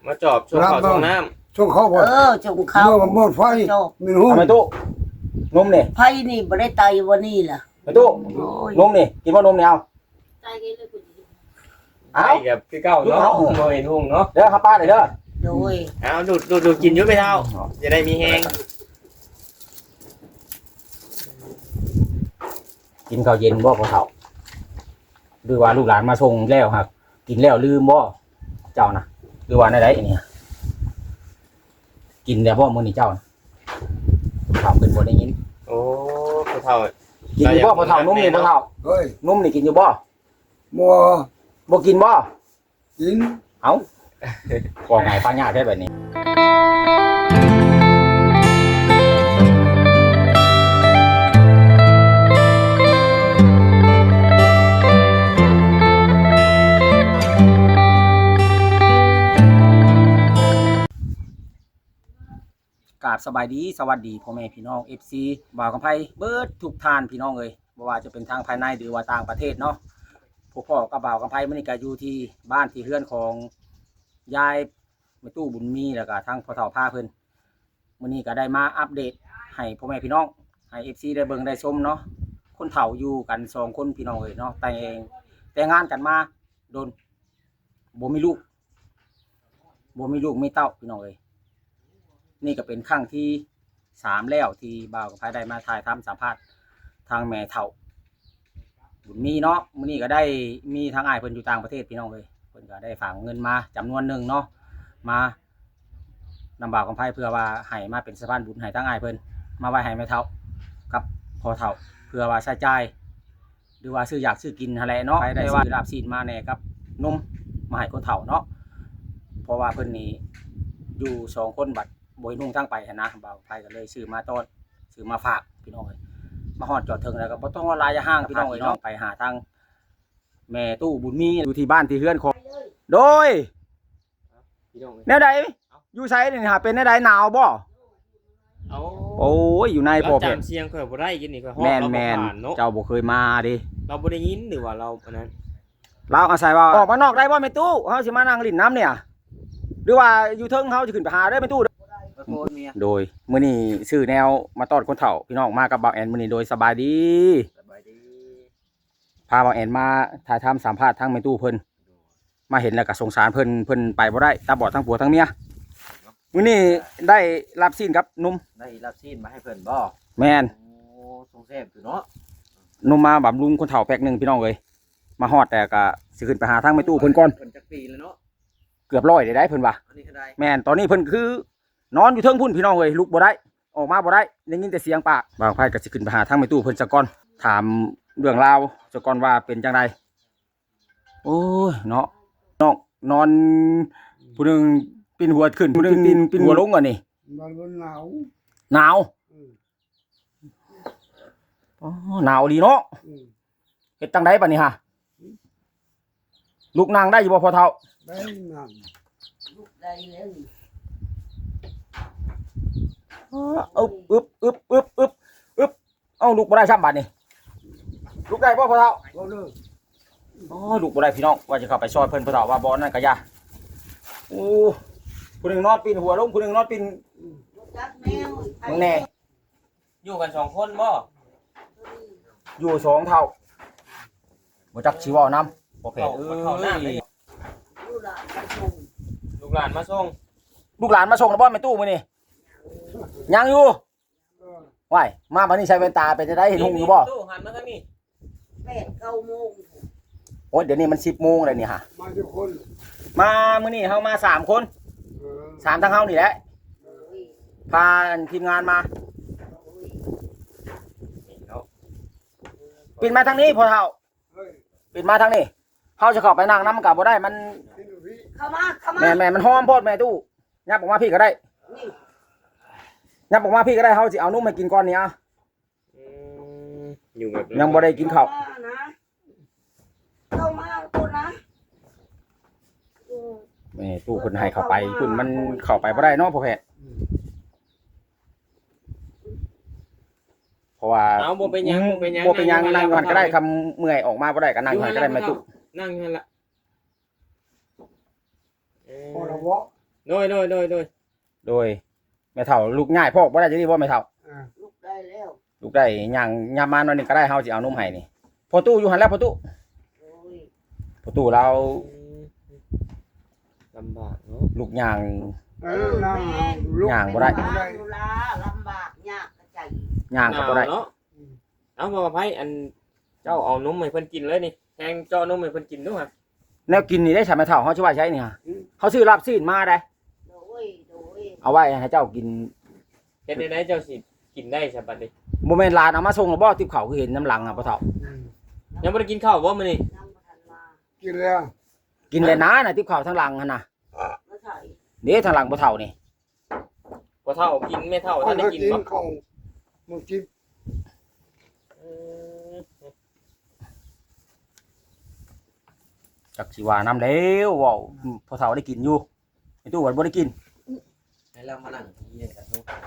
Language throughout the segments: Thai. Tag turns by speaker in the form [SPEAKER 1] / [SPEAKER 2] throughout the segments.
[SPEAKER 1] มาจอบช่วงเขาช่วงน้
[SPEAKER 2] ช่วงเขาบ่
[SPEAKER 3] จงเขา
[SPEAKER 2] เมื่อหมดไฟมีหู
[SPEAKER 4] ทำไมตู้นมนี่
[SPEAKER 3] ไผนี่บ่ได้ตายวันนี้ล่ะ
[SPEAKER 4] ไปตู้นมนี่กินว่านมนี่เอา
[SPEAKER 3] ตายกันเลยคุณ
[SPEAKER 1] ำไปกับพี่เก้าเนาะโมเห็นหุ่งเนาะ
[SPEAKER 4] เด้อครับป้าเด้อ
[SPEAKER 3] โดย
[SPEAKER 1] เอาดูกินยุ่ไปเท่าจะได้มีแห้ง
[SPEAKER 4] กินข้าวเย็นบ่ของเขาหรือว่าลูกหลานมาส่งแล้วครับกินแล้วลืมบ่เจ้านะหรือว่าในใดเนี่ยกินแล้วบ่มื้อนี้เจ้านะข่าวขึ้นบ่ได้ยิน
[SPEAKER 1] โอ้พ่อเท่า
[SPEAKER 4] กินอยู่บ่พ่อเฒ่านมนี่พ่อเฒ่า
[SPEAKER 2] เฮ้ย
[SPEAKER 4] นมนี่กินอยู่บ่
[SPEAKER 2] บ่
[SPEAKER 4] บ่กินบ่
[SPEAKER 2] กิน
[SPEAKER 4] เอ้าบอกไงป้าญาติได้แบบนี้กราบสบายดีสวัสดีพ่อแม่พี่น้อง FC บ่าวกำไพเบิดทุกท่านพี่น้องเอ้ยบ่ว่าจะเป็นทางภายในหรือว่าต่างประเทศเนาะพวกพ่อกับบ่าวกำไพมื้อนี้ก็อยู่ที่บ้านที่เฮือนของยายแม่ตู้บุญมีแล้วก็ทางพ่อเฒ่าพาเพิ่นมื้อนี้ก็ได้มาอัปเดตให้พ่อแม่พี่น้องให้ FC ได้เบิ่งได้ชมเนาะคนเฒ่าอยู่กัน2คนพี่น้องเอ้ยเนาะแต่งงานกันมาโดนบ่มีลูกมีเต้าพี่น้องเอ้ยนี่ก็เป็นครั้งที่3แล้วที่บ่าวกับไผได้มาถ่ายทำสัมภาษณ์ทางแม่เฒ่าบุญมีเนาะมื้อนี้ก็ได้มีทางอ้ายเพิ่นอยู่ต่างประเทศพี่น้องเอ้ยเพิ่นก็ได้ฝากเงินมาจำนวนหนึ่งเนาะมานำบ่าวกับไผเพื่อว่าให้มาเป็นสะพานบุญให้ทางอ้ายเพิ่นมาไว้ให้แม่เฒ่ากับพ่อเฒ่าเพื่อว่าใช้จ่ายหรือว่าซื้ออยากซื้อกินหั่นแหละเนาะได้ซื้อลาบซีนมาแน่กับนมมาให้คนเฒ่าเนาะเพราะว่าเพิ่นนี่อยู่2คนบัดบ่ให้นุ่งทั้งไปนะบ่าวไผก็เลยซื้อมาต้อนซื้อมาฝากพี่น้องเอ้ยมาฮอดจอดถึงแล้วก็บ่ต้องว่าลายห้างพี่น้องเอ้ยเนาะไปหาทางแม่ตู้บุญมีอยู่ที่บ้านที่เฮือนของโดย
[SPEAKER 1] พี่น้อง
[SPEAKER 4] แนวใดอยู่ไสนี่หาเป็นแนวใดหนาวบ่
[SPEAKER 1] เอา
[SPEAKER 4] โอ้ยอยู่ในพ่อเพชร
[SPEAKER 1] จำเสียงข่อยบ่ได้กินนี่ข่อยฮอด
[SPEAKER 4] แม่น
[SPEAKER 1] เรา
[SPEAKER 4] แม่น
[SPEAKER 1] ผ่านเนาะ
[SPEAKER 4] เจ้าบ่เคยมาดิ
[SPEAKER 1] เราบ่ได้ยินหรือว่าเราอันนั้น
[SPEAKER 4] เราอาศัยว่าออกมานอกได้บ่แม่ตู้เฮาสิมานั่งลิ้นน้ำเนี่ยหรือว่าอยู่เทิงเฮาสิขึ้นไปหาได้แม่ตู้โดยมื้อนี้ซื้อแนวมาต้อนคนเฒ่าพี่น้องมากับบ่าวแอนมื้อนี้โดยสบายดีพาบ่าวแอนมาถ่ายทำสัมภาษณ์ทางแม่ตู้เพิ่นมาเห็นแล้วก็สงสารเพิ่นไปบ่ได้ตาบอดทั้งผัวทั้งเมียมื้อนี้ได้รับซีนกับหนุ่ม
[SPEAKER 5] ได้รับซีนมาให้เพิ่นบ่
[SPEAKER 4] แม่น
[SPEAKER 5] โอ้ทรงแซ่บอยู่เนาะ
[SPEAKER 4] หนุ่มมาบำรุงคนเฒ่าแพ็คหนึงพี่น้องเอ้ยมาฮอดแต่ก็สิขึ้นไปหาทางแม่ตู้เพิ่นก่อน
[SPEAKER 5] เพิ่นจักปีแล้วเนาะ
[SPEAKER 4] เกือบ100ได้เพิ่นว่า
[SPEAKER 5] อันนี้ก็ได้
[SPEAKER 4] แม่นตอนนี้เพิ่นคือนอนอยู่เทิงพุ่นพี่น้องเอ้ยลุกบ่ได้ออกมาบ่ได้ได้ยินแต่เสียงปากบางไผก็สิขึ้นไปหาทางแม่ตู้เพิ่นซะก่อนถามเรื่องราวซะก่อนว่าเป็นจังไดโอ้ยเนาะน้องนอนผู้หนึงปีนหัวขึ้นผู้หนึงปีนหัวลงอ่ะนี่
[SPEAKER 2] มันหนาว
[SPEAKER 4] หนาวอ๋อหนาวดีเนาะเฮ็ดจังไดบัดนี้ฮะลูกนางได้อยู่บ่พ่อเฒ่า
[SPEAKER 2] ได้นั่น
[SPEAKER 3] ลูกได้แล้ว
[SPEAKER 4] อึบเอ้าลูกบ่ได้ซ้ำบัดนี้ลูกได้บ่พ่อเฒ่า
[SPEAKER 2] ก็เลิก
[SPEAKER 4] อ๋อลูกบ่ได้พี่น้องว่าจะเข้าไปซอยเพิ่นพ่อเฒ่าว่าบ่นั่นก็อย่าโอ้ผู้หนึงนอนปีนหัวลงผู้หนึงนอนปีน
[SPEAKER 3] จักแมว
[SPEAKER 4] มึงแน่
[SPEAKER 1] อยู่กัน2คนบ่
[SPEAKER 4] อยู่2เท่าบ่จักสิเว้านำบ่แพ้
[SPEAKER 1] เข้าน้ำเลย
[SPEAKER 3] ลูกหลานไปส่ง
[SPEAKER 1] ลูกหลานมาส่ง
[SPEAKER 4] ลูกหลานมาส่งแล้วบ่แม่ตู้มื้อนี้ยังอยู่ว้ายมาบัดนี้ใส่แว่นตาเป็นจะได้เห็นหุ่งอยู่บ่
[SPEAKER 1] ตู้หันมาทางนี้
[SPEAKER 3] 8-9 โมง
[SPEAKER 4] โอ้ยเดี๋ยวนี้มัน10 โมงแล้วนี่ฮะ
[SPEAKER 2] มาทุกคน
[SPEAKER 4] มามื้อนี้เฮามา3คน3ทั้งเฮานี่แหละพาทีมงานมาปิดมาทางนี้พ่อเฒ่า
[SPEAKER 2] เฮ้ย
[SPEAKER 4] ปิดมาทางนี้เฮาจะเข้าไปนั่งนำก็บ่ได้มัน
[SPEAKER 2] กินพี่
[SPEAKER 3] เข้ามา
[SPEAKER 4] แม่มันหอมโพดแม่ตู้ยับออกมาพี่ก็ได้
[SPEAKER 3] นี่
[SPEAKER 4] ยับออกมาพี่ก็ได้เฮาสิเอานุ่มมากินก่อนนี่อ่ะ
[SPEAKER 1] อยู่แบบ
[SPEAKER 4] ยังบ่ได้กินข้าว
[SPEAKER 3] เข้ามาคนนะ
[SPEAKER 4] แม่ตู้เพิ่นให้เข้าไปเพิ่นมันเข้าไปบ่ได้เนาะพ่อแพทย์เพราะว่า
[SPEAKER 1] เอาบ่เป็นหยังบ่เป็นหยัง
[SPEAKER 4] บ่เป็นหยังนั่งอยู่หั่นก็ได้คำเมื่อยออกมาบ่ได้ก็นั่งอยู่หั่นก็ได้แม่ตู้
[SPEAKER 1] นั่งอยู่หั่นล่ะ
[SPEAKER 2] พอละวะ
[SPEAKER 1] โดย
[SPEAKER 4] โดยแม่เฒ่าลูกง่ายพอกบ่ได้จะดีบ่แม่เฒ่า
[SPEAKER 3] ลูกได้แล้ว
[SPEAKER 4] ลูกได้ย่างยามมาหน่อยหนึงก็ได้เฮาสิเอานมให้นี่พอตู้อยู่หั่นแล้วพอตู้
[SPEAKER 3] โอ้ย
[SPEAKER 4] พอตู้เรา
[SPEAKER 1] ลำบากเนาะ
[SPEAKER 4] ลูกย่าง
[SPEAKER 2] นั่งลูก
[SPEAKER 4] ย่างบ่ได้
[SPEAKER 3] เป็นว่าเวลาลำบากยากกระใจ
[SPEAKER 4] ย่างก็บ่ได้
[SPEAKER 1] เนาะเอาบ่ไผอันเจ้าเอานมให้เพิ่นกินเลยนี่แทงเจาะนมให้เพิ่นกินดูครับ
[SPEAKER 4] แนวกินนี่ได้ใช่แม่เฒ่าเฮาสิว่าใช้นี่ฮะเขาซื้อลาบซีนมาได้
[SPEAKER 3] โดย
[SPEAKER 4] เอาไว้ให้เจ้ากิน
[SPEAKER 1] เฮ็ดได้เจ้าสิกินได้ซะบัดนี้
[SPEAKER 4] บ่แม่นหลานเอามาส่งแล้วบ่ติบข้าวคือเห็นน้ำหลังอ่ะพ่อเฒ่า
[SPEAKER 1] ยังบ่ได้กินข้าวบ่มื้อนี้
[SPEAKER 3] ยังบ่ทันมา
[SPEAKER 2] กินแล้ว
[SPEAKER 4] กินเลยนะน่ะติบข้าวทางหลังหั่นน่ะ
[SPEAKER 3] ไม่ใช่
[SPEAKER 4] เด้ทางหลังพ่อเฒ่านี่
[SPEAKER 1] บ่เท่ากินแม่เท่าท่านได้กินบ่
[SPEAKER 2] เขามึงกิน
[SPEAKER 4] จักสิว่าน้ำแล้วเว้าพ่อเฒ่าได้กินอยู่ไอ้ตู้ว่าบ่ได้กิน
[SPEAKER 5] ให้เรามานั่งเยี่ยกันทุกคน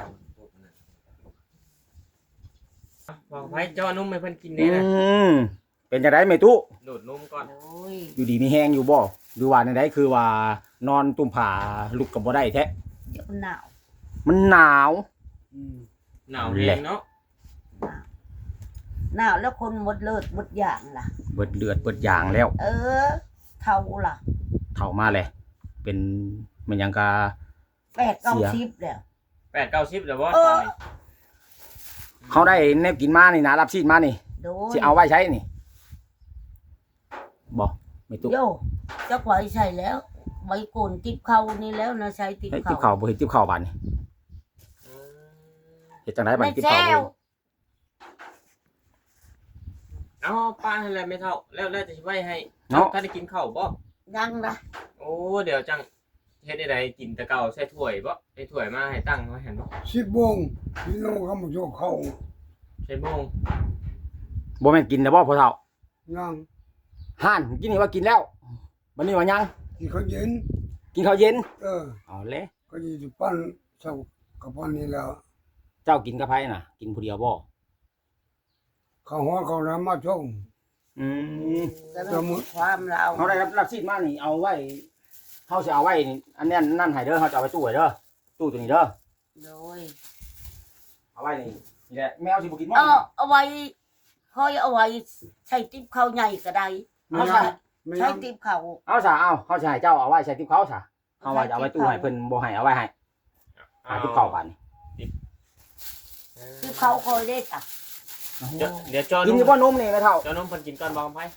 [SPEAKER 1] บ่ไผเจาะนมให้เพิ่นกิน
[SPEAKER 4] อื
[SPEAKER 1] แน่นะ
[SPEAKER 4] มเป็นจังได๋แม่ตู้
[SPEAKER 1] ดูดนมก่อน
[SPEAKER 3] โอ้ย
[SPEAKER 4] อยู่ดีมีแฮงอยู่บ่หรือว่าจังไดคือว่านอนตุ่มผาลุกก็บ่ได้แท้
[SPEAKER 3] เดี๋ยวหนาว
[SPEAKER 4] มันหนาว
[SPEAKER 1] หนาวแรงเนาะ
[SPEAKER 3] หนาวแล้วคนหมดเลิศหมดอย่างล่ะ
[SPEAKER 4] เบิดเลือดเบิดยางแล้ว
[SPEAKER 3] เออเท่าล่ะ
[SPEAKER 4] เฒ่ามาเลยเป็นมันหยังกะ
[SPEAKER 3] 8-90แล้ว
[SPEAKER 1] 8-90แล้วบ่
[SPEAKER 3] เอ
[SPEAKER 1] ตอ
[SPEAKER 3] อ
[SPEAKER 1] นนี้
[SPEAKER 4] เขาได้แนวกินมานี่นะรับซีดมานี่
[SPEAKER 3] โดย
[SPEAKER 4] สิเอาไว้ใช้นี่บ่ไม่ตู้
[SPEAKER 3] โยจักไว้ใช่แล้วไว้โกนติบเข้านี่แล้วนะใช้ติบ
[SPEAKER 4] เฮ้ย
[SPEAKER 3] เข้า
[SPEAKER 4] ติบข้าวบ่เฮ็ดติบข้าวบาดนี่เฮ็ดจังได๋บัด
[SPEAKER 3] ไม่
[SPEAKER 4] นี้ติบ
[SPEAKER 3] แซ
[SPEAKER 4] ข้าวบ่
[SPEAKER 3] ว
[SPEAKER 1] เอาป้าให้แล้วแม่เท่าแล้วจะสิไว้ให้
[SPEAKER 4] เนาะ
[SPEAKER 1] ท่านได้กินข้าวบ่
[SPEAKER 3] ยังนะ
[SPEAKER 1] โอ้เดี๋ยวจังเฮ็ดได้กินแต่เก่าใส่ถ้วยบ่ใส่ถ้วยมาให้ตั้งไว้หั่นบ่
[SPEAKER 2] 10 โมงพี่น้องเขามาโยกเขา
[SPEAKER 1] ใส่โมง
[SPEAKER 4] บ่แม่นกินแล้วบ่พ่อเฒ่า
[SPEAKER 2] ยัง
[SPEAKER 4] ห่านกินนี่ว่ากินแล้วบัดนี้ว่ายัง
[SPEAKER 2] กินข้าวเย็น
[SPEAKER 4] กินข้าวเย็น
[SPEAKER 2] เอา
[SPEAKER 4] เลย
[SPEAKER 2] ก็อยู่ปั้นเช้ากับปั้นนี่แล้ว
[SPEAKER 4] เจ้ากินกับไผน่ะ กินผู้เดียวบ่
[SPEAKER 2] เขาหัวเขาน้ำมาชง
[SPEAKER 4] อืม
[SPEAKER 3] ก็ต้องความเรา
[SPEAKER 4] เฮาได้รับซีดมานี่เอาไว้เฮาสิเอาไว้นี่อันนั้นนั่นให้เด้อเฮาจะเอาไว้ตู้ไว้เด้อตู้ตัวนี้เด้อ
[SPEAKER 3] โดย
[SPEAKER 4] เอาไว้นี่นี่แหละแมวสิบ่กินบ่
[SPEAKER 3] เอาไว้ค่อยเอาไว้ใช้ติบเข้าใหญ่ก็ได้
[SPEAKER 4] เอาซะ
[SPEAKER 2] ไม่
[SPEAKER 3] ใช้
[SPEAKER 2] ยัง
[SPEAKER 3] ติบเข้า
[SPEAKER 4] เอาซะเอาเฮาสิให้เจ้าเอาไว้ใส่ติ๊บเขาซะเอาไว้จะเอาไว้ตู้ให้เพิ่นบ่ให้เอาไว้ให้หาติ๊บเข้าบาดนี่
[SPEAKER 3] ติบเข้าคอยได้จ้ะ
[SPEAKER 1] เดี๋ยวจอ
[SPEAKER 4] กินอยู่บ่นมนี่แม่เฒ่า
[SPEAKER 1] จอนมเพิ่นกินก่อนบ่คำไผ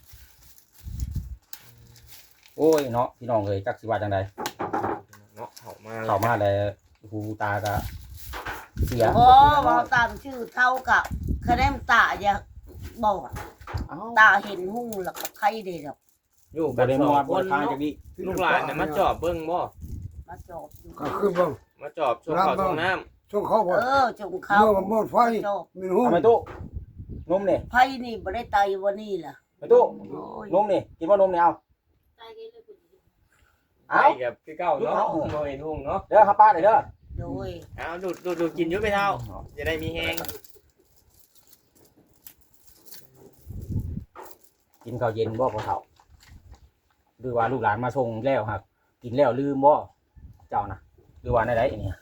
[SPEAKER 4] โอ้ยเนาะพี่น้องเอ้ยจักสิว่าจังได
[SPEAKER 1] เนาะเข้ามา
[SPEAKER 4] เข้ามาแล้วหูตาก็เสีย
[SPEAKER 3] โอ้เราตามชื่อเท่ากับคะแนนตาอย่าบอก
[SPEAKER 4] เอ้า
[SPEAKER 3] ตาเห็นหุ้งแล้วก็ใครได้ดอก
[SPEAKER 1] อยู่
[SPEAKER 4] บ่
[SPEAKER 1] กัน
[SPEAKER 4] ได้
[SPEAKER 1] ส
[SPEAKER 4] ม
[SPEAKER 1] อง
[SPEAKER 4] อด
[SPEAKER 1] ค
[SPEAKER 4] บ่
[SPEAKER 1] น
[SPEAKER 4] ทาง
[SPEAKER 1] เนาะ
[SPEAKER 4] จักนี้
[SPEAKER 1] ลูกหลานน่ะมาจอบเบิ่งบ่
[SPEAKER 3] มาจบอยู่
[SPEAKER 2] ก็คือบ่
[SPEAKER 1] มาจอบช่วงข้าวช่วงน้ำ
[SPEAKER 2] ช่วงเขาบ่
[SPEAKER 3] จงเข้า
[SPEAKER 2] เมื่อหมดไฟ
[SPEAKER 3] จบ
[SPEAKER 2] มีหุ้ม
[SPEAKER 4] เอาไปตู้นมนี่
[SPEAKER 3] ไผนี่บ่ได้ตายวันนี้ล่ะ
[SPEAKER 4] ไปตู้
[SPEAKER 3] โอ้ย
[SPEAKER 4] นมนี่กินบ่นมนี่เอา
[SPEAKER 1] ไป
[SPEAKER 4] เอา
[SPEAKER 1] กับคือเก่าเนาะบ่เห็นหุ่งเนาะ
[SPEAKER 4] เด้อครับป้าเด้อ
[SPEAKER 3] โดย
[SPEAKER 1] เอาดูดกินอยู่ไปเท่าจะได้มีแฮง
[SPEAKER 4] กินข้าวเย็นบ่พ่อเฒ่าหรือว่าลูกหลานมาส่งแล้วครับกินแล้วลืมบ่เจ้านะหรือว่าในใดเนี่ย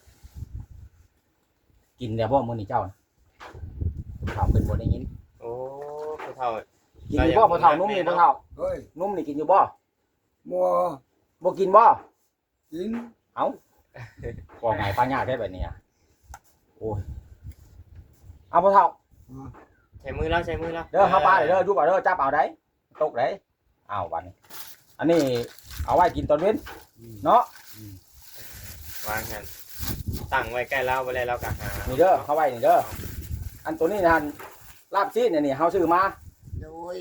[SPEAKER 4] กินแล้วบ่มื้อนี้เจ้านะถามเพิ่นบ่ได้ยิน
[SPEAKER 1] โอ้ผู้เฒ่า
[SPEAKER 4] กินอยู่บ่พ่อเฒ่านมนี่พ่อเฒ่า
[SPEAKER 2] เฮ้ย
[SPEAKER 4] นมนี่กินอยู่บ่
[SPEAKER 2] บ่
[SPEAKER 4] บ่กินบ่
[SPEAKER 2] กิน
[SPEAKER 4] ว่าไงป้ายากได้แบบนี้อะโอ้ยเอาพ่อเฒ่า
[SPEAKER 1] ใช้มือแล้วใช้มือแล้ว
[SPEAKER 4] เด้อเฮาป้าเด้ออยู่บ่เด้อจับเอาได้ตกได้เอาบัดนี้อันนี้เอาไว้กินตอนเว้นเนาะ
[SPEAKER 1] วางกันตั้งไว้ใกล้เราบ่แล้วเราก็หา
[SPEAKER 4] นี่เด้อเฮาไว้นี่เด้ออันตัวนี้นั่นลาบซีนนี่เฮาซื้อมา
[SPEAKER 3] โดย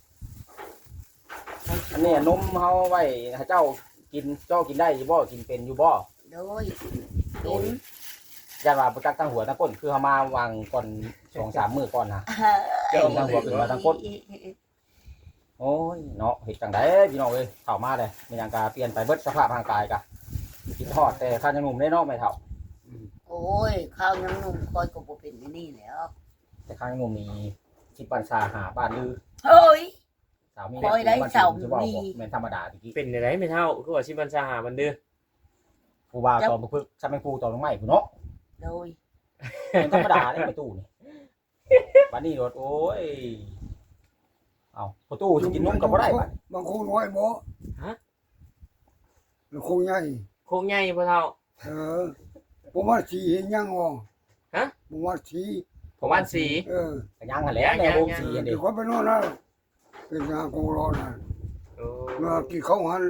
[SPEAKER 4] อันนี้นมเฮาไว้ให้เจ้ากินเจ้ากินได้อยู่บ่กินเป็นอยู่บ่
[SPEAKER 3] โดยเป็น
[SPEAKER 4] ยันว่าบ่จักตั้งหัวตั้งก้นคือเฮามาวางก่อน 2-3 มื้อก่อนนะ เจ้าตั้งหัวขึ้นมาตั้งก้น โอ้ยเนาะเฮ็ดจังได๋พี่น้องเอ้ยเข้ามาเลยมีหยังก็เปลี่ยนไปเบิดสภาพร่างกายกะกินทอดแต่ข้ายังหนุ่มได้เนาะไม่เฒ่า
[SPEAKER 3] โอ้ยข้าวยังนุ่มคอยก็บ่เป็นนี่แล้ว
[SPEAKER 4] แต่ข้ายังหนุ่มนี่สิปันซาหาบ้านลือ
[SPEAKER 3] เฮ้ย
[SPEAKER 4] สาวมี
[SPEAKER 3] โอ้ยได้สาวมี
[SPEAKER 4] แม่นธรรมดาตะกี้
[SPEAKER 1] เป็นได้ไม่เท่าคือว่าสิบัญชาหาบันเดือ
[SPEAKER 4] ผู้บ่าวตอบบ่พึกซะแม่นผู้ตอบลงไม้ผู้เนาะ
[SPEAKER 3] โดย
[SPEAKER 4] เป็นธรรมดาเด้ประตูนี่บัดนี้โดดโอ้ยเอาประตูสิกินนมก็บ่ได้บัด
[SPEAKER 2] บางคนน้อยบ่แล้วคงใหญ่
[SPEAKER 1] โคงใหญ่พ่อเฒ่า
[SPEAKER 2] ผมว่าสีเห็นยังอ๋อ
[SPEAKER 1] ฮะ
[SPEAKER 2] ผมว่าสี
[SPEAKER 1] ผมบ้านสี
[SPEAKER 4] ก็ยังหั่นแหละในโรงสีอัน
[SPEAKER 2] เดี๋
[SPEAKER 4] เด้
[SPEAKER 2] ยวเขาไปนอนนะเป็นงานกงรอนะ
[SPEAKER 1] โอ้
[SPEAKER 2] เมื่อกี้เขาหัน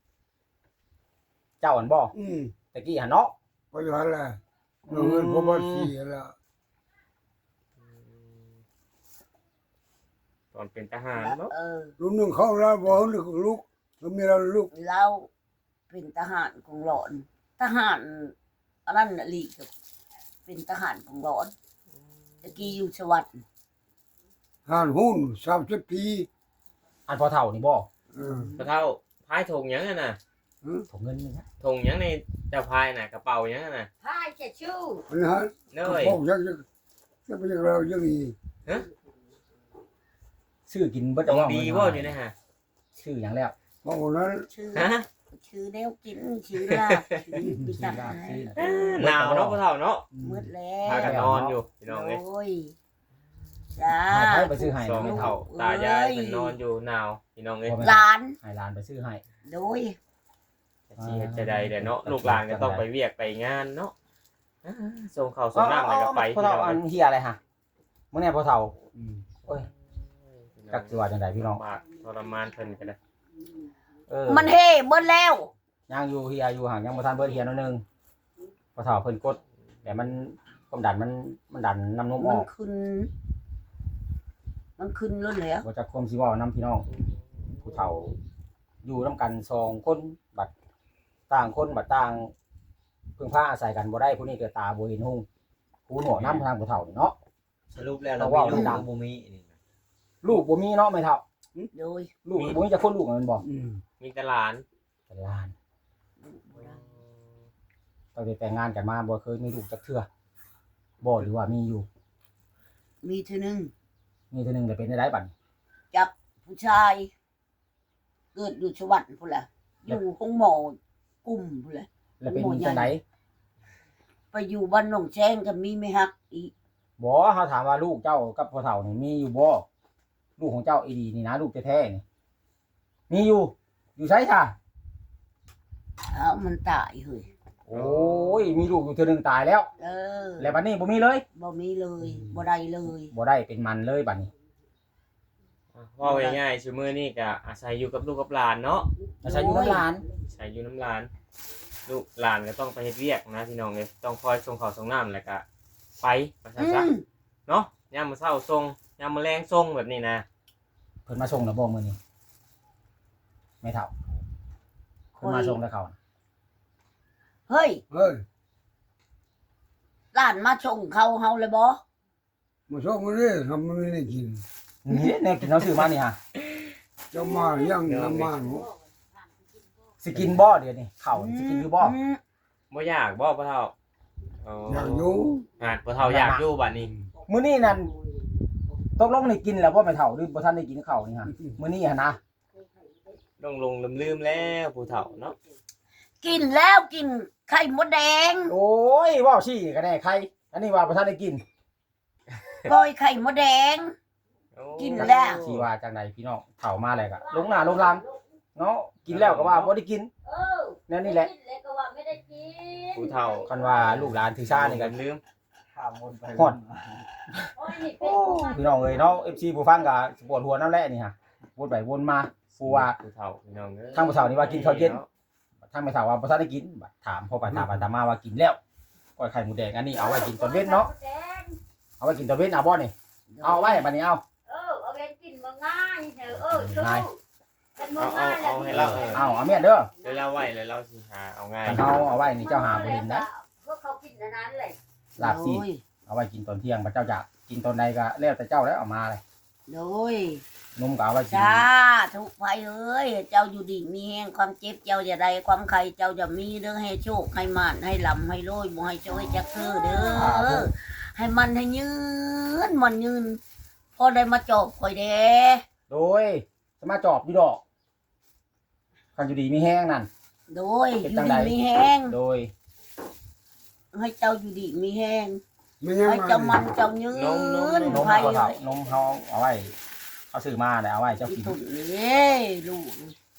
[SPEAKER 4] เจ้าอันบ่ ตะกี้หั่นเนาะ
[SPEAKER 2] ไปอยู่หันแหละเงินผมว่าสีแล้ว
[SPEAKER 1] ตอนเป็นทหารเนาะ
[SPEAKER 2] รุ่นหนึ่งเขาแล้วบอกลูกแล้วมีเราลูก
[SPEAKER 3] เราเป็นทหารของหลอนทหารอันนั้นน่ะลีกับเป็นทหารของหลอนตะกี้อยู่สวัสดิ์
[SPEAKER 2] ห่านหุ้น30 ปี
[SPEAKER 4] อันพอเฒ่านี่บ่
[SPEAKER 1] พ่อเฒ่าพายถงหยังน่ะ
[SPEAKER 4] ผมเงินนี่นะ
[SPEAKER 1] ถงหยังในเจ้าพายน่ะกระเป๋าหยังน่ะ
[SPEAKER 3] พายจะชู้
[SPEAKER 2] อันนี้ฮะ
[SPEAKER 1] เน
[SPEAKER 2] เขา
[SPEAKER 1] ย
[SPEAKER 2] บอกยังเป็นเรายังมี
[SPEAKER 4] ซื้อกินเบิด
[SPEAKER 1] ตรง
[SPEAKER 4] เอา
[SPEAKER 1] ดี
[SPEAKER 4] เงิน
[SPEAKER 1] บ่อยู่นะฮะ
[SPEAKER 4] ซื้อหยังแล้ว
[SPEAKER 2] เพราะนั้น
[SPEAKER 3] ชื่อ
[SPEAKER 1] ฮะ
[SPEAKER 3] ชื่อแนวกินชื่อลาบชื่อปิ
[SPEAKER 4] ซื้
[SPEAKER 3] กั
[SPEAKER 4] อน ลาบซื้อ
[SPEAKER 1] หนาวเนาะพ่อเฒ่าเนาะ
[SPEAKER 3] มืดแล้
[SPEAKER 1] พาว กันนอนอยู่พี่น้องเอ้ย
[SPEAKER 3] โอ้ยจ้า
[SPEAKER 4] ให้ไผไปซื้อให้
[SPEAKER 1] สอง
[SPEAKER 4] ไม่
[SPEAKER 1] เฒ่าตายายเพิ่นนอนอยู่หนาวพี่น้องเอ้ย
[SPEAKER 3] หลาน
[SPEAKER 4] ให้หลานไปซื้อให้
[SPEAKER 3] โดย
[SPEAKER 1] สิเฮ็ดจะได้เด้อเนาะลูกหลานก็ต้องไปเวียกไปงานเนาะส่งข้าวส่งน้ำแล้วก็ไป
[SPEAKER 4] พอ
[SPEAKER 1] พี่
[SPEAKER 4] เฒ่า
[SPEAKER 1] น้อง
[SPEAKER 4] อั
[SPEAKER 1] เอ้
[SPEAKER 4] น
[SPEAKER 1] ย
[SPEAKER 4] เฮียอะไรฮะมื้อนี้พอเฒ่าโอ้ยจักสิว่าจังไดพี่น้อง
[SPEAKER 1] มากทรมานเพิ่นก็ได้
[SPEAKER 3] มันเฮ่เบิดแล้ว
[SPEAKER 4] ยังอยู่เฮียอยู่ห่างยังบ่ทันเบิดเฮียนิดนึงพอเฒ่าเพิ่นกดแต่มันความดันมันดันน้ำนมอ
[SPEAKER 3] มัน
[SPEAKER 4] อก
[SPEAKER 3] ขึ้น มันขึ้นแล้วแล้ว
[SPEAKER 4] บ่จักความสิเว้านํพี่น้องผู้เฒ่าอยู่นํกัน2คนบัดต่างคนบัดต่างพึ่งพาอาศัยกันบ่ได้ผู้นี้ก็ตาบ่เห็นหุ่งผู้หนวกนำทางผู้เฒ่านี่เนาะ
[SPEAKER 5] สรุปแล้วเรา
[SPEAKER 4] ว่า
[SPEAKER 5] มี
[SPEAKER 4] มัน
[SPEAKER 5] ลูก
[SPEAKER 4] ดัง
[SPEAKER 5] บ่มีนี่นะ
[SPEAKER 4] ลูกบ่มีเนาะแม่เฒ่า
[SPEAKER 3] โดย
[SPEAKER 4] ลูกบ่มีจักคนลูกมันบ่
[SPEAKER 1] มีแต่หลาน
[SPEAKER 4] แต่หลานตั้งแต่แต่งงานกันมาบ่เคยมีลูกจักเทื่อบ่หรือว่ามีอยู่
[SPEAKER 3] มีทีหนึง
[SPEAKER 4] มีเทื่อนึงแต่เป็นได้บัดนี้
[SPEAKER 3] จับผู้ชาย เกิดอยู่สวรรค์พุ่นล่ะอยู่ห้องหมอกลุ่มพุ่นล่ะ
[SPEAKER 4] แล้วเป็นจังได๋
[SPEAKER 3] ไปอยู่บ้านหนองแชงก็มีไม่ฮักอีก
[SPEAKER 4] บ่เฮาถามว่าลูกเจ้ากับพ่อเฒ่านี่มีอยู่บ่ลูกของเจ้าอีดีนี่นะลูกแท้ๆนี่มีอยู่ไสค่ะ
[SPEAKER 3] เอามันตายเฮ้ย
[SPEAKER 4] โอ้ยมีลูกอยู่เทื่อนึงตายแล้ว แล้วบัดนี้บ่มีเลย
[SPEAKER 3] บ่มีเลยบ่ได้เลย
[SPEAKER 4] บ่ได้เป็นมันเลยบัดนี้
[SPEAKER 1] ว่าง่ายๆซุมื้อนี้ก็อาศัยอยู่กับลูกกับหลานเนาะ
[SPEAKER 4] อาศัยอยู่กับหลาน
[SPEAKER 1] อาศัยอยู่น้ำหลานลูกหลานก็ต้องไปเฮ็ดเวียกนะพี่น้องเอ้ยต้องคอยส่งข้าวส่งน้ำแล้วก็ไปว่าซั่นซะเนาะยามมื้อเช้าส่งยามมื้อแลงส่งแบบนี้นะ
[SPEAKER 4] เพิ่นมาส่งแล้วบ่มื้อนี้แม่เฒ่าเพิ่นมาส่งแล้วเขา
[SPEAKER 3] เฮ้ย
[SPEAKER 2] เฮ้ย
[SPEAKER 3] หลานมาชงเขาเฮาเลยบ่
[SPEAKER 2] มาส่งมาเลยทำมันไม่ได้กิน
[SPEAKER 4] นี่แนวกินเราซื้อมานี่ฮะ
[SPEAKER 2] จะมายังน้ำมัน
[SPEAKER 4] สิกินบ่เดี๋ยวนี้ข้าวสิกินอยู่บ่
[SPEAKER 1] บ่อยากบ่พ่อเฒ่าอ๋อ
[SPEAKER 2] อยากอยู่
[SPEAKER 1] หาดพ่อเฒ่าอยากอยู่บัดนี้
[SPEAKER 4] มื้อนี้นั่นตกลงได้กินแล้วบ่แม่เฒ่าหรือบ่ทันได้กินข้าวนี่ฮะมื้อนี้หั่นนะ
[SPEAKER 1] ลงลืมๆแล้วผู้เฒ่าเนาะ
[SPEAKER 3] กินแล้วกินไข่มดแดง
[SPEAKER 4] โอ้ยเว้าชี้ก็ได้ใครอันนี้ว่าบ่ทันได้กิน
[SPEAKER 3] ก้อยไข่มดแดง
[SPEAKER 1] โอ้
[SPEAKER 3] กินแล้ว
[SPEAKER 4] สิว่าจังไดพี่น้องเฒ่ามาแล้วก็ลงหน้าลงหลังเนาะกินแล้วก็ว่าบ่ได้กินแนวนี้แหละ
[SPEAKER 1] ผู้เฒ่า
[SPEAKER 4] คันว่าลูกหลานถือชานี่ก็
[SPEAKER 1] ลืม
[SPEAKER 5] ข้ามวนไป
[SPEAKER 4] ฮอด พี่น้องเอ้ยเนาะ FC ผู้ฟังก็ปวดหัวน้ำแหละนี่ฮะวนไปวนมาผู้ว่า
[SPEAKER 1] ผู้เฒ่าพี่น้องเอ้ย
[SPEAKER 4] ทางผู้เฒ่านี่ว่ากินข้าวเย็น ทางแม่เฒ่าว่าบ่ทันได้กินบัดถามพ่อไปถามไปถามมาว่ากินแล้วก้อยไข่หมูแดงอันนี้เอาไว้กินตอนเว้นเนาะเอาไว้กินตอนเว้นเอาบ่นี่เอาไว้บัดนี้เอา
[SPEAKER 6] เอาไปกินมาง่ายเถอะสู้เป็นมา
[SPEAKER 1] เอา
[SPEAKER 6] ง่าย
[SPEAKER 1] ให้เรา
[SPEAKER 4] เอาเมียนเด้อ
[SPEAKER 1] เดี๋ยวเราไว้แล้วเราสิหาเอาง่าย
[SPEAKER 4] คันเอาไว้นี่เจ้าหาบ่เห็นนะ
[SPEAKER 6] พวกเขากินอันนั้นเลย
[SPEAKER 4] ลาบซีดเอาไว้กินตอนเที่ยงบัดเจ้าจะกินตอนใดก็แล้วแต่เจ้าแล้วเอามาเลย
[SPEAKER 3] โดย
[SPEAKER 4] นมก็เอาไว้กิน
[SPEAKER 3] จ้าทุกภัยเอ้ยเจ้าอยู่ดีมีแห่งความเจ็บเจ้าอย่าใดความใครเจ้าจะมีเด้อให้โชคให้มานให้ลำให้โรยบ่ให้โชคให้จักคือเด้อให้มันให้ยืนมันยืนพอได้มาจบข่อยเด้
[SPEAKER 4] โดยจะมาจอบอยู่ดอกคันอยู่ดีมีแห้งนั่น
[SPEAKER 3] โดยอยู่ดีมีแห้ง
[SPEAKER 4] โดย
[SPEAKER 3] ให้เจ้าอยู่ดีมีแห้ง
[SPEAKER 2] ไม่ยัง
[SPEAKER 3] ให้
[SPEAKER 2] มา
[SPEAKER 3] เจ้ามันเจ้ายืน
[SPEAKER 4] นม
[SPEAKER 3] ไผ
[SPEAKER 4] เขา
[SPEAKER 3] เล
[SPEAKER 4] เฒ่าย นมเขาเอาไว้เขาซื้อมาแล้วเอาไว้เจ้า
[SPEAKER 3] อี
[SPEAKER 4] กิน
[SPEAKER 3] ตุ่นนี่ลูก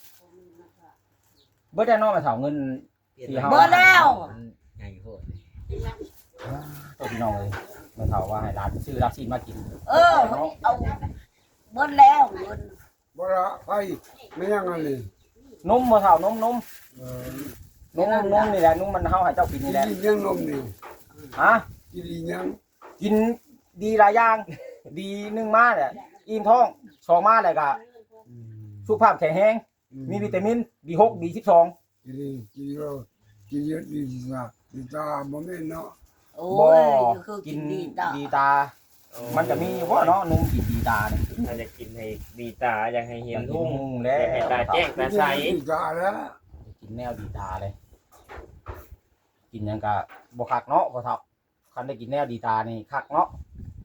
[SPEAKER 4] เบิดได้เนาะแม่เฒ่าเงิน
[SPEAKER 3] เบิดแล้ว
[SPEAKER 5] ใหญ่โหด
[SPEAKER 4] ตัวพี่น้องเลยแม่เฒ่าว่าให้ร้านซื้อรับซีนมากิน
[SPEAKER 3] เออเอาเบิดแล้วเงิน
[SPEAKER 2] บ่ละไปไม่ยังอันนี้
[SPEAKER 4] นมบ่เฒ่านม
[SPEAKER 2] เออน
[SPEAKER 4] มนี่แหละนมมันเฮาให้เจ้ากิน
[SPEAKER 2] กิ
[SPEAKER 4] นี่
[SPEAKER 2] น
[SPEAKER 4] แหละ
[SPEAKER 2] ยังนมนี่
[SPEAKER 4] ฮะ
[SPEAKER 2] กินยัง
[SPEAKER 4] กินดีหลายอย่าง ดีหนึ่งมาเนี่ยอิ่มท้องสองมาเลยก็สุขภาพแข็งแรงมีวิตามิน B6 B12
[SPEAKER 2] กินเรากินเยอะดีจ้ะดีตาบ่แม่นเนาะ
[SPEAKER 3] โอ้
[SPEAKER 4] บ่
[SPEAKER 3] ยคือ
[SPEAKER 4] กิ
[SPEAKER 3] กิ
[SPEAKER 4] น
[SPEAKER 3] นดีตา
[SPEAKER 4] ดีตา มันจะมีว่าเนาะนมกินดีตาเนี่ย
[SPEAKER 1] ถ้าจะกินให้ดีตาอยากให้เห็น
[SPEAKER 4] กิ
[SPEAKER 1] ทุ่ง
[SPEAKER 4] น
[SPEAKER 1] อ
[SPEAKER 4] แล้
[SPEAKER 1] ยากให้ตาว แจ้งตาใส
[SPEAKER 2] ดีตาแล้ว
[SPEAKER 4] กินแนวดีตาเลย กินหยังก็บ่คักเนาะบ่เฒ่าคันได้กินแนวดีตานี่คักเนาะ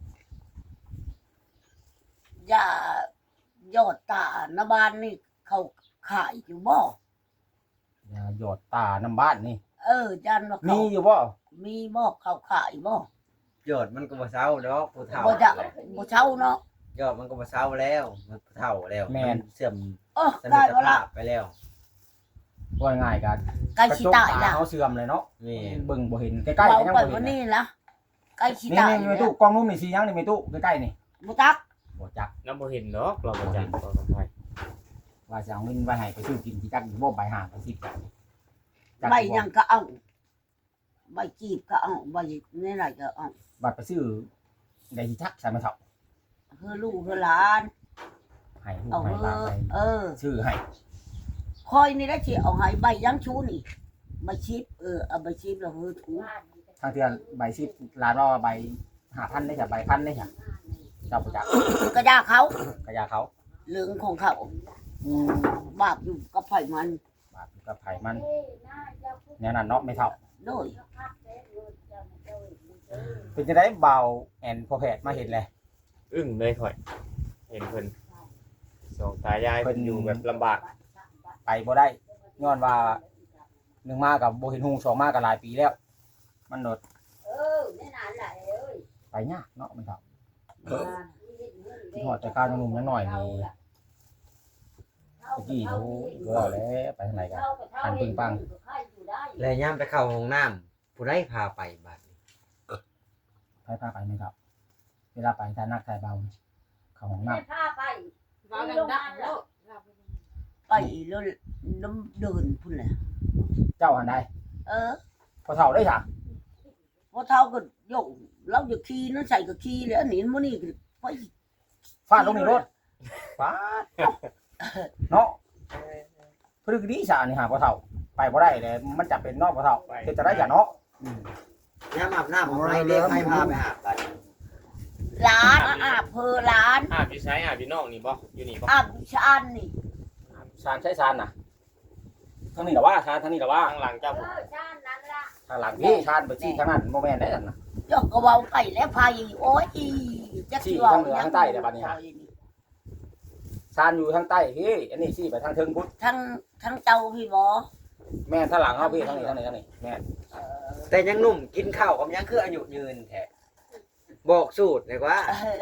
[SPEAKER 3] อย่ายอดตาหน้าบ้านนี่เขาขายอยู่บ่
[SPEAKER 4] อย่าหยอดตาน้ำบ้านนี่
[SPEAKER 3] จันว่าเขา
[SPEAKER 4] มีอยู่บ่
[SPEAKER 3] มีบ่เขาขายบ่
[SPEAKER 5] ยอดมันก็บ่เศร้าดอกผู้เฒ่า
[SPEAKER 3] บ่จะบ่เช่าเนาะ
[SPEAKER 5] ยอดมันก็บ่เศร้าแล้วมันผู้เฒ่าแล้วนเสื่อม สมร
[SPEAKER 3] ได้
[SPEAKER 5] รถ
[SPEAKER 3] บ่ล่ะ
[SPEAKER 5] ภาพไปแล้ว
[SPEAKER 4] ว่าง่ายกัน
[SPEAKER 3] ใกล้สิตาย
[SPEAKER 4] ตา
[SPEAKER 3] แล้ว
[SPEAKER 4] เฮาเสื่อมเลยเนาะ
[SPEAKER 5] นี่
[SPEAKER 4] เบิ่งบ่เห็นใกล้ๆ
[SPEAKER 3] เรา
[SPEAKER 4] ก็ยัง
[SPEAKER 3] ไป
[SPEAKER 4] บ่เห็
[SPEAKER 3] วัน
[SPEAKER 4] น
[SPEAKER 3] นี้
[SPEAKER 4] นะ
[SPEAKER 3] ละใกล้สิ
[SPEAKER 4] นี่
[SPEAKER 3] ตาย
[SPEAKER 4] นี่มีตู้กล้องนู้นมีสียังนี่มีตู้ใกล้ๆนี่
[SPEAKER 3] บ่ตัก
[SPEAKER 4] บ่จัก
[SPEAKER 1] น้ำบ่เห็นดอกเราบ่จักบ่ต้องไป
[SPEAKER 4] ว่าจะเอาเงินไว้ให้ไปซื้อกินที่จักอยู่บ่ใบห่างไป10จักจัก
[SPEAKER 3] ใบ
[SPEAKER 4] อยู่บ่
[SPEAKER 3] ยังก็เอาใบจีบก็เอาใบนี่ไหนก็เอา
[SPEAKER 4] บัตรไปซื้อได้ที่จักใส่มาเถาะ
[SPEAKER 3] เฮือลูกเฮือหลาน
[SPEAKER 4] ให้ลูก
[SPEAKER 3] เอา
[SPEAKER 4] ให้
[SPEAKER 3] เฮื
[SPEAKER 4] หลา
[SPEAKER 3] อน
[SPEAKER 4] ไป ซื้อให้
[SPEAKER 3] คอยนี่ได้สิเอาให้ใบยังชูนี่ใบชีบเอาใบชีบแล้วเฮือถู
[SPEAKER 4] ทางเทือนใบ10ล้านว่าใบ5,000ได้จ้ะใบ1,000ได้จ้ะเจ้าบ่จัก
[SPEAKER 3] ก็ยาเขา
[SPEAKER 4] กระยาเขา
[SPEAKER 3] เรื่องของเขาบาปอยู่กับไผมัน
[SPEAKER 4] บาทอยู่กับไผมันแนวนั้นเนาะไม่เท่า
[SPEAKER 3] โดย
[SPEAKER 4] เป็นจังได๋เบาแอนพอแพทย์มาเห็นเลย
[SPEAKER 1] อึ้งเลยข่อย เห็นเพิ่นสองตายายเพิ่นอยู่แบบลำบาก
[SPEAKER 4] ไปบ่ได้ย้อนว่า1มากับบ่เห็นหุง2มาก็หลายปีแล้ว มันโดด
[SPEAKER 6] แม่นานแหละเอ้ย
[SPEAKER 4] ไปยากเนาะไม่เท่าที่ฮอดแต่การหนุ่มยังน้อยนี่ตะกี้เขาก็แล้วไปทางไหนกัน อันปึ้งปัง
[SPEAKER 5] แล้วย่ามไปเข้าห้องน้ำผู้ใดพาไปบัดนี้
[SPEAKER 4] ไปพาไปไม่ครับเวลาไปถ้านักถ่ายเบาเข้าห้องน้
[SPEAKER 6] แม่พาไป
[SPEAKER 7] เราดังๆแล้ว
[SPEAKER 3] ไปแล้วน้ำเดินพุ่นแหละ
[SPEAKER 4] ำเจ้าอันใด พอเท่าได้จ้ะ
[SPEAKER 3] พอเท่าก็โยกเราจะขี่นั่นใส่ก็ขี่แล้วหนีมันนี่ไป
[SPEAKER 4] ฟาดลงในรถฟาดเนาะพฤกดีสานี่หาพอเท่าไปบ่ได้เลยมันจะเป็นนอกพอเท่าเฮ็ดจะได้จ้ะเนาะ
[SPEAKER 5] ย่ามอาบน้ำของไรเด็กให้พาไปอาบบัดนี้
[SPEAKER 3] ร้านอาบเพอร้าน
[SPEAKER 1] อาบอยู่ไสอาบอยู่นอกนี่บ่อยู่นี่บ่
[SPEAKER 3] อาบชานนี่
[SPEAKER 4] ชานใช้ชานน่ะทางนี้ล่ะว่าชานทางนี้ล่ะว่า
[SPEAKER 1] ข้างหลังเจ้า
[SPEAKER 6] เออชาตินั้นล่ะ
[SPEAKER 4] ทางหลังพี่ชานไปชี้ทางนั้นบ่แม่นได้นั่นน่ะ
[SPEAKER 3] ยกกระเว้าไปแล้วพายโอ้ยจักสิเว้า
[SPEAKER 4] ชี้ทางเหนือทางใต้เดี๋ยวบัดนี้ฮะ ชานอยู่ทางใต้พี่อันนี้ชี้ไปทางเทิงพุทธ
[SPEAKER 3] ทั้งเจ้าพี่บ่
[SPEAKER 4] แม่นทางหลังเฮาพี่ทางนี้แม่น
[SPEAKER 5] แต่ยังหนุ่มกินข้าวกับยังคืออายุยืนแท้บอกสูตรเลยว่า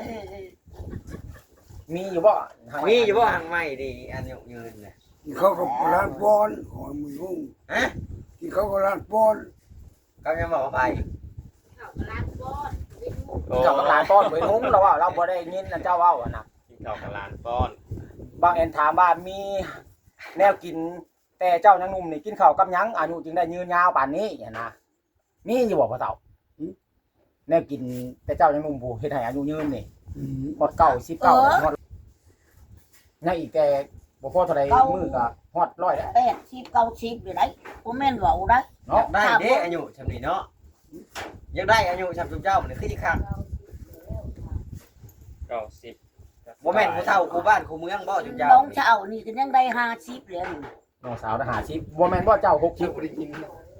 [SPEAKER 4] มีอยู่บ่
[SPEAKER 5] มีอยู่บ่หังไม่ดีอายุยืนน่ะ
[SPEAKER 2] กินข้าวกับร้านปอนของมือหุ้ง
[SPEAKER 5] ฮะ
[SPEAKER 2] กินข้าวกับร้านปอน
[SPEAKER 5] เขายังบอกว่าไป
[SPEAKER 6] เขากำลังก้อนเป็นหมู่
[SPEAKER 1] โอ้
[SPEAKER 4] กับหลานป้อนไปนุ้งแล้วว่าเราบ่ได้ยินนั่นเจ้าเว้าอะนะ
[SPEAKER 1] กินข้าวกับหลานป้อน
[SPEAKER 4] บางแอนถามว่ามีแนวกิน แต่เจ้ายังหนุ่มนี่กินข้าวกับหยังอายุจึงได้ยืนยาวป่านนี้อย่างนะมีอยู่บ่พ่อเฒ่าแนวกินแต่เจ้ายังหนุ่มผู้เฮ็ดให้อายุยืนนี่ฮอด19 19ฮอดยังอีกแต่บ่พอเท่าใดมื้อก็ฮอด100แล้ว
[SPEAKER 3] 80 90อยู่ได้บ่แม่นเว้าได้
[SPEAKER 5] อยา
[SPEAKER 4] เนาะ
[SPEAKER 5] กได้เด้อายุชำนี้เนาะอยากได้อายุชำจุ๊บเจ้ามันคือสิคัก
[SPEAKER 1] 90
[SPEAKER 5] บ่แม่นผู้เฒ่าผู้บ้านผู้เมืองบ่จุ๊บเจ้า
[SPEAKER 3] น้องเช้านี่ก็ยังได้50แล้วนี่
[SPEAKER 4] น้องสาวทหารชิปบ่แม่นบ่เจ้า60บ่ได้กิน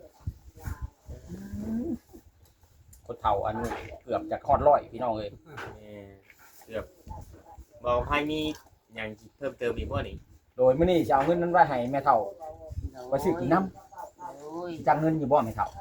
[SPEAKER 4] คนเฒ่าอายุเกือบจะฮอด100พี่น้องเอ้ย
[SPEAKER 1] เกือบบอกให้มีอย่างเพิ่มเติมอีกบ่นี่
[SPEAKER 4] โดยมื้อนี้สิเอาเงินนั้นไว้ให้แม่เฒ่าไว้ซื้อกินน้
[SPEAKER 3] โอ้ย
[SPEAKER 4] ำจังเงินอยู่บ่แม่เฒ่า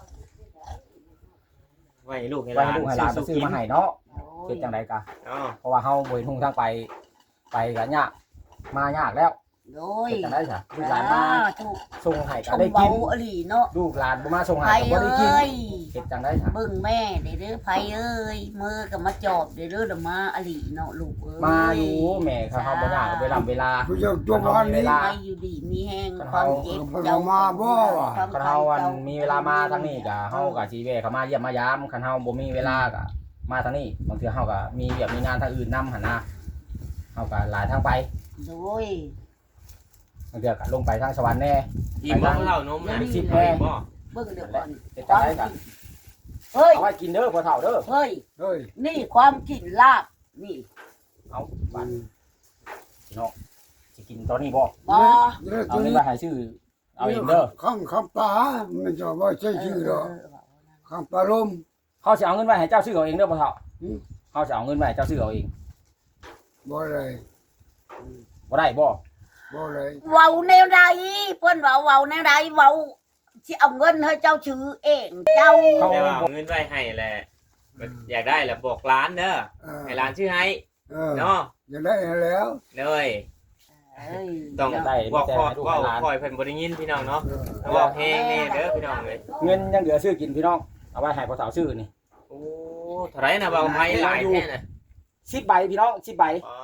[SPEAKER 1] ไว้ให้ลูกให้ห
[SPEAKER 4] ไว้
[SPEAKER 1] ลาน
[SPEAKER 4] ให้ลูกให้หลานไปซื้อมาให้เนาะ
[SPEAKER 3] โอ้ย
[SPEAKER 4] เฮ็ดจังไดกะ
[SPEAKER 1] อ๋อ
[SPEAKER 4] เพราะว่าเฮาบ่เห็นหุ่งทางไปก็ยากมายากแล้ว
[SPEAKER 3] โอ้ย
[SPEAKER 4] เฮ็ดจังได๋ซะลูกหลานมา
[SPEAKER 3] ถูก
[SPEAKER 4] ส่งให้
[SPEAKER 3] ช
[SPEAKER 4] ก็
[SPEAKER 3] ม
[SPEAKER 4] ได้
[SPEAKER 3] เบา
[SPEAKER 4] กิน
[SPEAKER 3] อหลีเนาะ
[SPEAKER 4] ลูกหลานบ่มาส่ง
[SPEAKER 3] ไผ
[SPEAKER 4] ให้ก็บ่ได้กิน
[SPEAKER 3] เอ้ย
[SPEAKER 4] เฮ็ดจังได๋ซะ
[SPEAKER 3] เบิ่งแม่เด้อไผเอ้ยมือก็มาจอบเด้อเด้อมาอหลีเนาะลูกเอ้ย
[SPEAKER 4] มาอยู่แม่เขาเฮาบ่ยากเวลา
[SPEAKER 2] ผู้เจ้าตัวบ้านนี้
[SPEAKER 3] ไปอยู่ดีมีแห้งความเจ็บ
[SPEAKER 2] เจ้ามาบ่วะ
[SPEAKER 3] ความ
[SPEAKER 4] คันเฮาอันมีเวลามาทางนี้ก็เฮาก็สิแวะเข้ามาเยี่ยมมายามคันเฮาบ่มีเวลาก็มาทางนี้บางเทื่อเฮาก็มีเวียกมีงานทางอื่นนํหั่นนะเฮาก็หลายทางไป
[SPEAKER 3] โดย
[SPEAKER 4] บางเทื่อก็ลงไปทางสวรรค์แน่
[SPEAKER 1] อิ่มบ่เท่านมน่ะ
[SPEAKER 4] สิบ
[SPEAKER 1] บ่
[SPEAKER 4] แม่
[SPEAKER 1] บ่
[SPEAKER 3] เบิ่งเดี๋ยวก่อน
[SPEAKER 4] เฮ็ดจังได๋ก็
[SPEAKER 3] เฮ้ย
[SPEAKER 4] เอาไว้กินเด้อพ่อเฒ่าเด้อ
[SPEAKER 3] เฮ้ย
[SPEAKER 2] เฮ้ย
[SPEAKER 3] นี่ความกินลาบนี่
[SPEAKER 4] เอาบัดพี่น้องสิกินตอนนี้บ่
[SPEAKER 3] บ่
[SPEAKER 2] เด้อ
[SPEAKER 4] เอา
[SPEAKER 2] ตัว
[SPEAKER 4] เงิน
[SPEAKER 2] นี้
[SPEAKER 4] ไปให้ซื้อเอาเองเด้อ
[SPEAKER 2] ข้างคำปลามันจะว่าใช่ชื่อหรอข้างปลาลม
[SPEAKER 4] เขาสิเอาเงินไว้ให้เจ้าซื้อเอาเองเด้อพ่อเฒ่า
[SPEAKER 2] อืม
[SPEAKER 4] เขาสิเอาเงินไว้ให้เจ้าซื้อเอาเอง
[SPEAKER 2] บ่เลย
[SPEAKER 4] บ่ได้บ่
[SPEAKER 2] บ่เลย
[SPEAKER 3] เว้าแนวใดเพิ่นเว้าแนวใดเว้าสิเอาเงินให้เจ้าชื่อเองเจ้า
[SPEAKER 1] แต่ว่าเอาเงินไว้ให้แหละอยากได้แหละบอกร้านเด้อให้ร้านชื่อให้เนาะ
[SPEAKER 2] จะได้แล้ว
[SPEAKER 1] เลย
[SPEAKER 3] เอ้ย
[SPEAKER 1] ต้อง
[SPEAKER 4] ได้
[SPEAKER 1] บอก
[SPEAKER 4] แต่
[SPEAKER 1] คอ
[SPEAKER 4] ให้ลูก
[SPEAKER 1] ว่า
[SPEAKER 4] ให้หลาน
[SPEAKER 1] คอยเพิ่นบ่ได้ยินพี่น้องเนาะบอกแฮงแน่เด้อพี่น้องเอ้ย
[SPEAKER 4] เงินยังเหลือซื้อกินพี่น้องเอาไว้ให้พ่อเฒ่าซื้อนี่
[SPEAKER 1] โอ้เท่าไหร่นะบ่าวไผหลายแท้น่ะ
[SPEAKER 4] 10ใบพี่น้อง10ใบ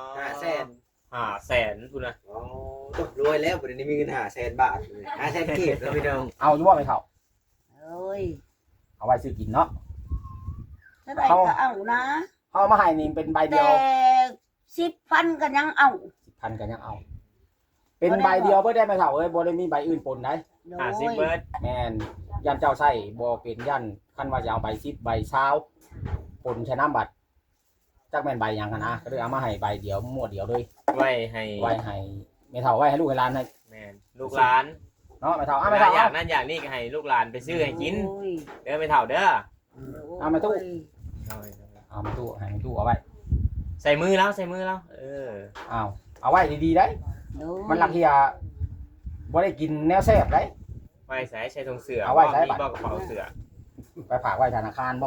[SPEAKER 1] 500,000พุ่นน่ะ
[SPEAKER 5] โอ้ต้องรวยแล้วบ่ได้มีเงิน500,000 บาทเลย500,000กีบแล้วพี่น้อง
[SPEAKER 4] เอาอยู่บ่ไม่เฒ่า
[SPEAKER 3] เอ้ย
[SPEAKER 4] เอาไว้ซื้อกินเนาะ
[SPEAKER 3] เท่าไหร่ก็เอานะ
[SPEAKER 4] เอามาให้นี่เป็นใบเดี
[SPEAKER 3] แต่
[SPEAKER 4] ยว
[SPEAKER 3] 10,000ก็ยังเอา
[SPEAKER 4] 10,000ก็ยังเอา เป็นใบเดียวบ่ได้ไม่เฒ่าเอ้ยบ่ได้มีใบอื่นปนได้
[SPEAKER 3] โด
[SPEAKER 1] 50เบิด
[SPEAKER 4] แม่นยันเจ้าใช้บ่เป็นยันคันว่าจะเอาใบ10ใบ20ปนใช้น้ำบัตรจักแม่นใบหยังกันนะก็เลยเอามาให้ใบเดียวหมวดเดียวเลย
[SPEAKER 1] ไว้ให้
[SPEAKER 4] ไว้ให้ไม่เฒ่าไว้ให้ลูกให้หลานให้
[SPEAKER 1] แม่นลูกหลาน
[SPEAKER 4] เนาะไม่เฒ่าเอา
[SPEAKER 1] เว
[SPEAKER 4] ไม่
[SPEAKER 1] ลา
[SPEAKER 4] เฒ่า
[SPEAKER 1] อยา
[SPEAKER 4] เอา
[SPEAKER 1] กนั่นอยากนี่ก็ให้ลูกหลานไปซื้อให้กิน
[SPEAKER 3] โอ้ย
[SPEAKER 1] เด้อไม่เท่าเด้อ
[SPEAKER 4] เอามาตู้
[SPEAKER 3] โย
[SPEAKER 4] เอามาตู้ให้ตู้เอาไว้
[SPEAKER 1] ใส่มือแล้วใส่มือแล้ว
[SPEAKER 4] เอาไว้ดีๆได้
[SPEAKER 3] โดย
[SPEAKER 4] มันลักเที่ยบ่ได้กินแนวแซ่บได้
[SPEAKER 1] ไว้ใส่ถุงเสือ
[SPEAKER 4] เอาไว้ใส่
[SPEAKER 1] มี
[SPEAKER 4] บัตร
[SPEAKER 1] บ่กระเป๋าเสือ
[SPEAKER 4] ไปฝากไว้ธนาคารบ่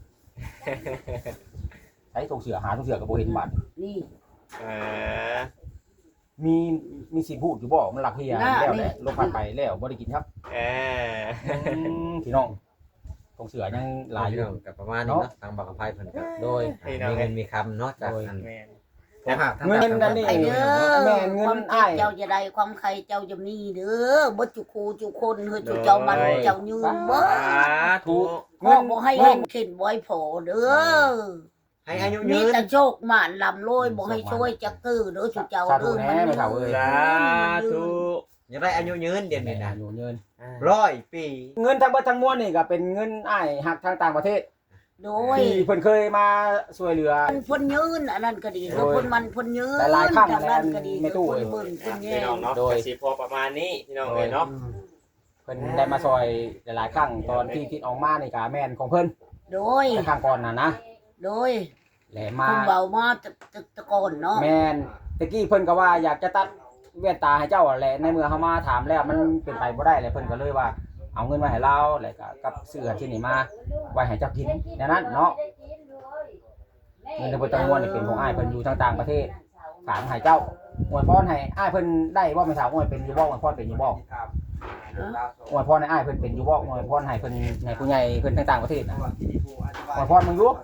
[SPEAKER 4] ใช้ถุงเสือหาถุงเสือก็บ่เห็นบัตร
[SPEAKER 3] นี่
[SPEAKER 1] เออ
[SPEAKER 4] มีสิพูดอยู่บ่มันลักเที่ย
[SPEAKER 3] น่า
[SPEAKER 4] แล้ว
[SPEAKER 3] นี่
[SPEAKER 4] แหละลงพันไปแล้วบ่ได้กินครับ
[SPEAKER 1] เออ
[SPEAKER 4] พี่น้องถุงเสือยังหลายอ
[SPEAKER 5] พี่
[SPEAKER 4] ยู่
[SPEAKER 5] น้องก็ประมาณนี้เนาะทางบักกะไผเพิ่นก็
[SPEAKER 4] โดย
[SPEAKER 5] มีเงินมีคำเนาะจากอัน
[SPEAKER 1] แม่น
[SPEAKER 5] แต่หากทาง
[SPEAKER 4] เงินนั่นนี่
[SPEAKER 3] ไปเด้อ
[SPEAKER 4] แม่นเงิน
[SPEAKER 3] ความ
[SPEAKER 4] อ้าย
[SPEAKER 3] เจ้าจะได้ความใครเจ้าจะมีเด้อบ่จุคูจุคนเฮ้ยจุเจ้ามันเจ้ายืนบ่
[SPEAKER 1] สาธุ
[SPEAKER 3] พ่อบ่ให้เห็นเข็นบ่ให้โผเด้อ
[SPEAKER 5] ให้อายุ
[SPEAKER 3] มี
[SPEAKER 5] ยืน
[SPEAKER 3] แต่โชคหมานลำรวยบ่ให้ช่วยจักกือเด้อจุเจ้า
[SPEAKER 4] สาธุ
[SPEAKER 3] เด้อ
[SPEAKER 4] แน่ไม่เท่าเอ้ย
[SPEAKER 1] สาธุ
[SPEAKER 5] อยากได้อายุยืนเดี๋ยว
[SPEAKER 4] แม่
[SPEAKER 5] นี้
[SPEAKER 4] น
[SPEAKER 5] นะ
[SPEAKER 4] อยู่เงิน
[SPEAKER 5] 100 ปี
[SPEAKER 4] เงินทั้งเบิดทั้งมวลนี่ก็เป็นเงินอ้ายหักทางต่างประเทศ
[SPEAKER 3] โดย
[SPEAKER 4] ที่เพิ่นเคยมาช่วยเหลือ
[SPEAKER 3] มันพ้นยืนอันนั้นก็ดีแล้วพ้นมันพ้นยืน
[SPEAKER 4] หลายๆครั้ง
[SPEAKER 3] ทางนั้นก็ดี
[SPEAKER 4] ไม่ตู้
[SPEAKER 3] พ้นเบิ่งพ้นแย่
[SPEAKER 1] พี่น้องเนาะ
[SPEAKER 4] โดย
[SPEAKER 1] ก็สิพอประมาณนี้พี่น้องเอ้ยเนาะ
[SPEAKER 4] เพิ่นได้มาซอยหลายๆครั้งตอนที่คิดออกมานี่ก็แม่นของเพิ่น
[SPEAKER 3] โดย
[SPEAKER 4] ในครั้งก่อนน่ะนะ
[SPEAKER 3] โดย
[SPEAKER 4] แหละมา
[SPEAKER 3] คุณเบามาตะโกนเนาะ
[SPEAKER 4] แม่นตะกี้เพิ่นก็ว่าอยากจะตัดแว่นตาให้เจ้าแหละในเมื่อเฮามาถามแล้วมันเป็นไปบ่ได้เลยเพิ่นก็เลยว่าเอาเงินมาให้เราแล้วก็กับเสื้อที่นี่มาไว้ให้เจ้ากินดังนั้นเนาะเงินทั้งเบิดทั้งมวลนี่เป็นของอ้ายเพิ่นอยู่ทางต่างประเทศฝากมาให้เจ้าอวยพรให้อ้ายเพิ่นได้บ่แม่นถามอวยเป็นอยู่บ่อวยพรเป็นอยู่บ่อวยพรให้อ้ายเพิ่นเป็นอยู่บ่อวยพรให้เพิ่นให้ผู้ใหญ่เพิ่นทางต่างประเทศน่ะอวยพรมึงอยู่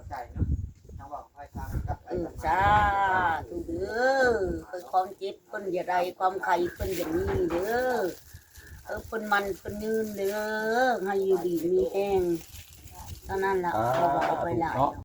[SPEAKER 3] จ้าถูกเด้อคือความเจ็บเพิ่นอย่าได้ความไข้เพิ่นอย่างนี้เด้อเพิ่นมันเพิ่นยืนเด้อให้อยู่ดีมีแห้งเท่านั้นล่ะเขาบอกเอาไปหลาย
[SPEAKER 4] เนาะ